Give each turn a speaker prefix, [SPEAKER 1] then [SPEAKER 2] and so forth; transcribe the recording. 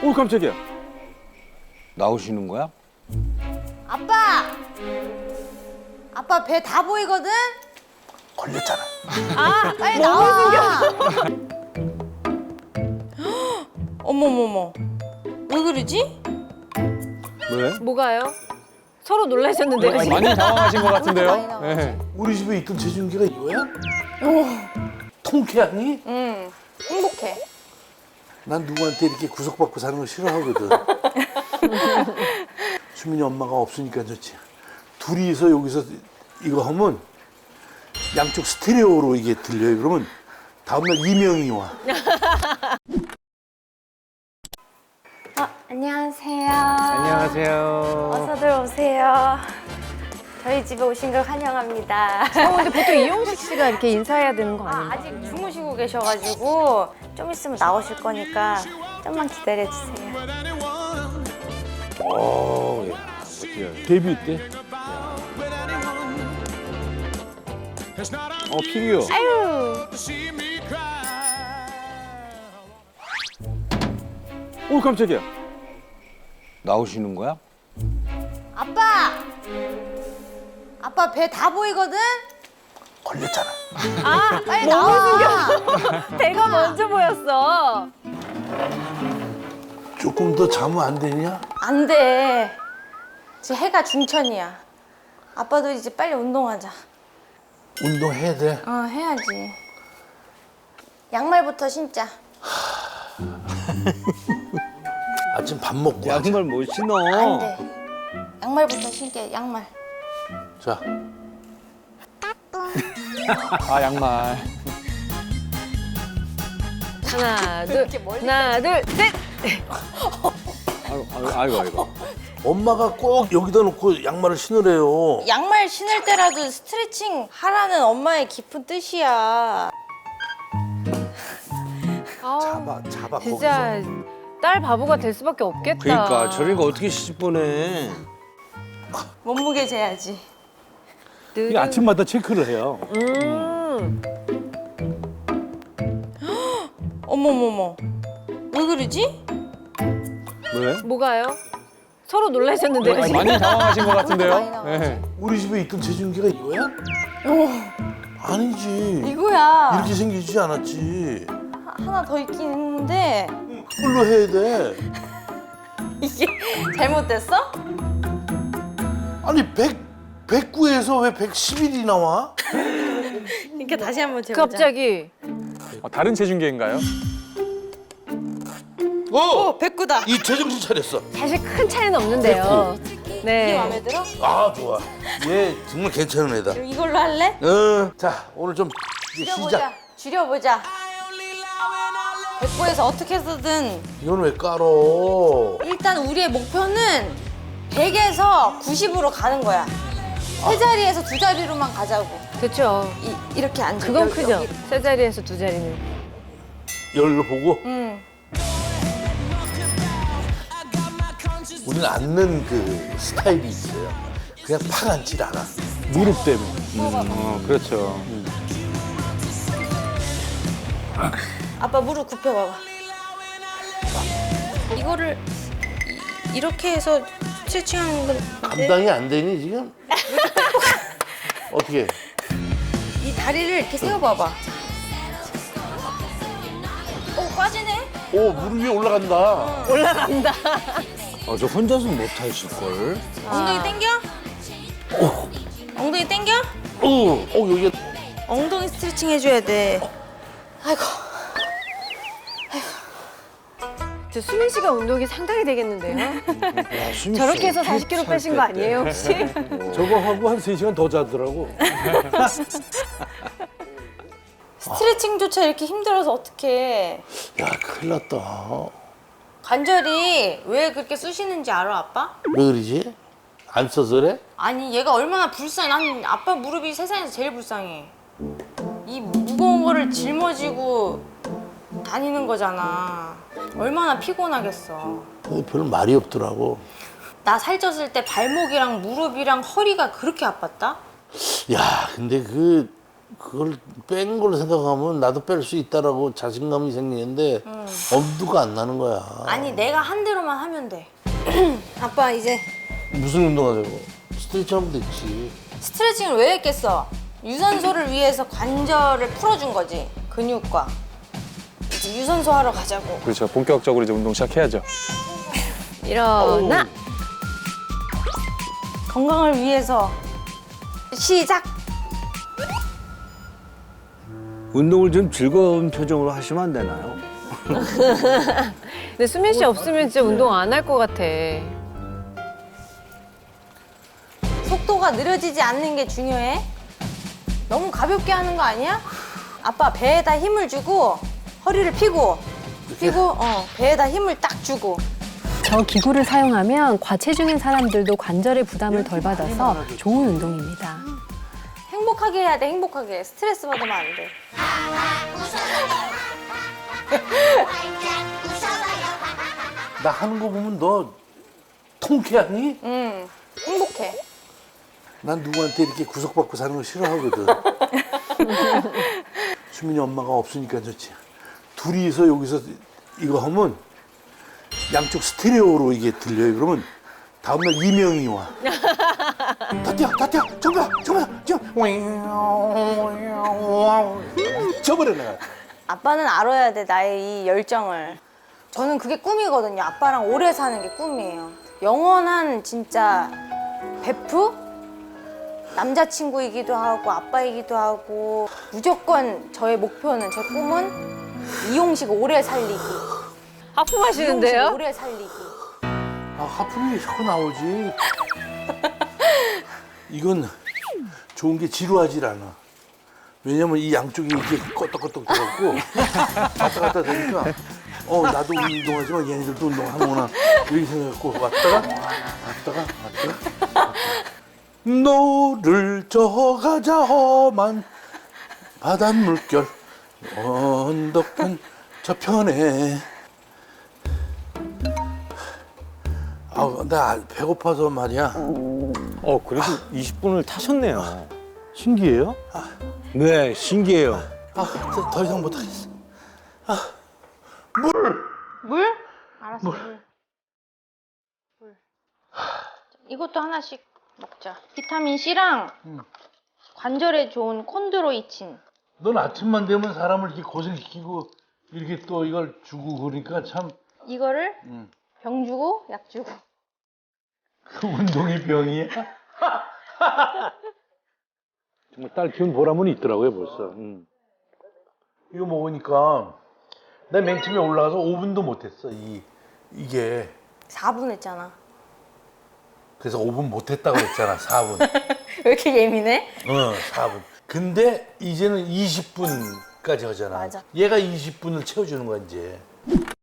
[SPEAKER 1] 오, 깜짝이야. 나오시는 거야?
[SPEAKER 2] 아빠! 아빠 배 다 보이거든?
[SPEAKER 3] 걸렸잖아.
[SPEAKER 2] 아, 빨리 나와. 어머머머. 왜 그러지?
[SPEAKER 1] 왜?
[SPEAKER 4] 뭐가요? 서로 놀라셨는데요, 지금?
[SPEAKER 1] 많이 당황하신 것
[SPEAKER 2] 많이
[SPEAKER 1] 같은데요?
[SPEAKER 2] 나오지.
[SPEAKER 1] 네.
[SPEAKER 3] 우리 집에 있던 체중계가 이거야? 통쾌하니?
[SPEAKER 2] 응. 행복해.
[SPEAKER 3] 난 누구한테 이렇게 구속받고 사는 거 싫어하거든. 수민이 엄마가 없으니까 좋지. 둘이서 여기서 이거 하면 양쪽 스테레오로 이게 들려요. 그러면 다음날 이명이 와.
[SPEAKER 5] 안녕하세요.
[SPEAKER 1] 안녕하세요.
[SPEAKER 5] 어서들 오세요. 저희 집에 오신 걸 환영합니다.
[SPEAKER 4] 근데 보통 이용식 씨가 이렇게 인사해야 되는 거 아니에요?
[SPEAKER 5] 아직 주무시고 계셔가지고 좀 있으면 나오실 거니까 좀만 기다려주세요.
[SPEAKER 1] 데뷔 때? 피규어.
[SPEAKER 4] 아유,
[SPEAKER 1] 오, 깜짝이야. 나오시는 거야?
[SPEAKER 2] 아빠! 아빠 배 다 보이거든?
[SPEAKER 3] 걸렸잖아.
[SPEAKER 4] 아,
[SPEAKER 2] 빨리 나와.
[SPEAKER 4] 배가 먼저 보였어.
[SPEAKER 3] 조금 더 자면 안 되냐?
[SPEAKER 2] 안 돼. 지금 해가 중천이야. 아빠도 이제 빨리 운동하자.
[SPEAKER 3] 운동해야 돼.
[SPEAKER 2] 해야지. 양말부터 신자.
[SPEAKER 3] 아침 밥 먹고 하자.
[SPEAKER 1] 양말 못 신어.
[SPEAKER 2] 안 돼. 양말부터 신게, 양말.
[SPEAKER 3] 자,
[SPEAKER 1] 아, 양말.
[SPEAKER 4] 하나, 둘, 하나, 둘, 셋.
[SPEAKER 1] 아이고.
[SPEAKER 3] 엄마가 꼭 여기다 놓고 양말을 신으래요.
[SPEAKER 2] 양말 신을 때라도 스트레칭 하라는 엄마의 깊은 뜻이야.
[SPEAKER 3] 잡아
[SPEAKER 4] 진짜
[SPEAKER 3] 거기서.
[SPEAKER 4] 딸 바보가 될 수밖에 없겠다.
[SPEAKER 1] 그러니까 저러니까 어떻게 시집 보내?
[SPEAKER 2] 몸무게 재야지.
[SPEAKER 1] 이게 아침마다 체크를 해요.
[SPEAKER 2] 어머머머. 왜 그러지?
[SPEAKER 1] 왜?
[SPEAKER 4] 뭐가요? 서로 놀라셨는데요, 지금?
[SPEAKER 1] 많이 당황하신 것
[SPEAKER 2] 많이
[SPEAKER 1] 같은데요?
[SPEAKER 2] 나오지.
[SPEAKER 1] 네.
[SPEAKER 3] 우리 집에 있던 체중계가 이거야? 아니지.
[SPEAKER 2] 이거야.
[SPEAKER 3] 이렇게 생기지 않았지.
[SPEAKER 2] 하나 더 있긴 했는데
[SPEAKER 3] 그걸로 해야 돼.
[SPEAKER 2] 이게 잘못됐어?
[SPEAKER 3] 아니 109에서 왜 111이 나와?
[SPEAKER 2] 이렇게 다시 한번 재보자.
[SPEAKER 4] 갑자기.
[SPEAKER 1] 다른 체중계인가요?
[SPEAKER 2] 백구다.
[SPEAKER 3] 이 제정신 차렸어.
[SPEAKER 4] 사실 큰 차이는 없는데요.
[SPEAKER 2] 이게
[SPEAKER 4] 네.
[SPEAKER 2] 마음에 들어?
[SPEAKER 3] 아 좋아. 얘 정말 괜찮은 애다.
[SPEAKER 2] 그럼 이걸로 할래?
[SPEAKER 3] 자 오늘 좀 이제 시작.
[SPEAKER 2] 줄여보자. 줄여보자. 백구에서 어떻게 해서든
[SPEAKER 3] 이건 왜 깔어?
[SPEAKER 2] 일단 우리의 목표는 100에서 90으로 가는 거야. 세 자리에서 두 자리로만 가자고.
[SPEAKER 4] 그렇죠.
[SPEAKER 2] 이렇게 앉아.
[SPEAKER 4] 그건
[SPEAKER 2] 여기,
[SPEAKER 4] 크죠.
[SPEAKER 2] 여기.
[SPEAKER 4] 세 자리에서 두 자리는.
[SPEAKER 3] 열로 보고
[SPEAKER 2] 응.
[SPEAKER 3] 우리는 앉는 그 스타일이 있어요. 그냥 팍 앉질 않아.
[SPEAKER 1] 무릎 때문에. 그렇죠.
[SPEAKER 2] 아빠 무릎 굽혀봐봐. 이거를 이렇게 해서 스트레칭하는 건데
[SPEAKER 3] 감당이 안 되니 지금? 어떻게?
[SPEAKER 2] 이 다리를 이렇게 세워봐봐. 빠지네?
[SPEAKER 3] 오 무릎 위에 올라간다.
[SPEAKER 1] 저 혼자서 못 하실걸?
[SPEAKER 2] 엉덩이 당겨? 엉덩이 당겨?
[SPEAKER 3] 여기
[SPEAKER 2] 엉덩이 스트레칭 해줘야 돼. 아이고.
[SPEAKER 4] 저 수민 씨가 운동이 상당히 되겠는데요?
[SPEAKER 1] 야, 수미 씨
[SPEAKER 4] 저렇게 해서
[SPEAKER 1] 어떻게
[SPEAKER 4] 40kg
[SPEAKER 1] 살
[SPEAKER 4] 빼신 거
[SPEAKER 1] 뺐대?
[SPEAKER 4] 아니에요, 혹시?
[SPEAKER 6] 저거 하고 한 3시간 더 자더라고.
[SPEAKER 2] 스트레칭조차 이렇게 힘들어서 어떡해.
[SPEAKER 3] 야 큰일 났다.
[SPEAKER 2] 관절이 왜 그렇게 쑤시는지 알아, 아빠?
[SPEAKER 3] 왜 그러지? 안 써서 그래?
[SPEAKER 2] 아니, 얘가 얼마나 불쌍해. 난 아빠 무릎이 세상에서 제일 불쌍해. 이 무거운 거를 짊어지고 다니는 거잖아. 얼마나 피곤하겠어.
[SPEAKER 3] 별 말이 없더라고.
[SPEAKER 2] 나 살쪘을 때 발목이랑 무릎이랑 허리가 그렇게 아팠다?
[SPEAKER 3] 야 근데 그 그걸 뺀 걸로 생각하면 나도 뺄 수 있다라고 자신감이 생기는데 엄두가 안 나는 거야.
[SPEAKER 2] 아니 내가 한 대로만 하면 돼. 아빠 이제
[SPEAKER 3] 무슨 운동하자고? 스트레치 하면 됐지.
[SPEAKER 2] 스트레칭을 왜 했겠어? 유산소를 위해서 관절을 풀어준 거지. 근육과. 이제 유산소 하러 가자고.
[SPEAKER 1] 그렇죠. 본격적으로 이제 운동 시작해야죠.
[SPEAKER 4] 일어나.
[SPEAKER 2] 건강을 위해서 시작.
[SPEAKER 7] 운동을 좀 즐거운 표정으로 하시면 안 되나요?
[SPEAKER 4] 근데 수민 씨 없으면 진짜 운동 안 할 것 같아.
[SPEAKER 2] 속도가 느려지지 않는 게 중요해. 너무 가볍게 하는 거 아니야? 아빠 배에다 힘을 주고 허리를 펴고 배에다 힘을 딱 주고.
[SPEAKER 8] 저 기구를 사용하면 과체중인 사람들도 관절의 부담을 덜 받아서 좋은 운동입니다.
[SPEAKER 2] 행복하게 해야 돼. 행복하게. 스트레스 받으면 안 돼.
[SPEAKER 3] 나 하는 거 보면 너 통쾌하니?
[SPEAKER 2] 응. 행복해.
[SPEAKER 3] 난 누구한테 이렇게 구속받고 사는 거 싫어하거든. 수민이 엄마가 없으니까 좋지. 둘이서 여기서 이거 하면 양쪽 스테레오로 이게 들려요. 그러면 다음날 이명이 와. 다티야, 정답, 저버려 내가.
[SPEAKER 2] 아빠는 알아야 돼. 나의 이 열정을. 저는 그게 꿈이거든요. 아빠랑 오래 사는 게 꿈이에요. 영원한 진짜 베프? 남자친구이기도 하고 아빠이기도 하고 무조건 저의 목표는 제 꿈은 이용식 오래 살리기.
[SPEAKER 4] 하품하시는데요?
[SPEAKER 2] 이용식 오래 살리기.
[SPEAKER 3] 아, 하품이 자꾸 나오지. 이건 좋은 게 지루하질 않아. 왜냐면 이 양쪽이 이렇게 껐덕껐덕 들어갔고 왔다 갔다 되니까 나도 운동하지만 얘네들도 운동하는구나 이렇게 생각하고 왔다가 노를 저가자 험한 바닷물결 언덕은 저편에. 나 배고파서 말이야.
[SPEAKER 1] 그래도 20분을 타셨네요.
[SPEAKER 7] 신기해요? 네, 신기해요.
[SPEAKER 3] 더 이상 못하겠어.
[SPEAKER 2] 물? 알았어. 물. 이것도 하나씩 먹자. 비타민 C랑 관절에 좋은 콘드로이친.
[SPEAKER 3] 넌 아침만 되면 사람을 이렇게 고생시키고 이렇게 또 이걸 주고 그러니까 참
[SPEAKER 2] 이거를 병 주고 약 주고.
[SPEAKER 3] 그 운동이 병이야.
[SPEAKER 6] 정말 딸 키운 보람은 있더라고요 벌써.
[SPEAKER 3] 이거 먹으니까 나 맨 처음에 올라가서 5분도 못했어. 이게
[SPEAKER 2] 4분 했잖아.
[SPEAKER 3] 그래서 5분 못했다고 그랬잖아. 4분.
[SPEAKER 2] 왜 이렇게 예민해?
[SPEAKER 3] 4분. 근데 이제는 20분까지 하잖아.
[SPEAKER 2] 맞아.
[SPEAKER 3] 얘가 20분을 채워주는 거야 이제.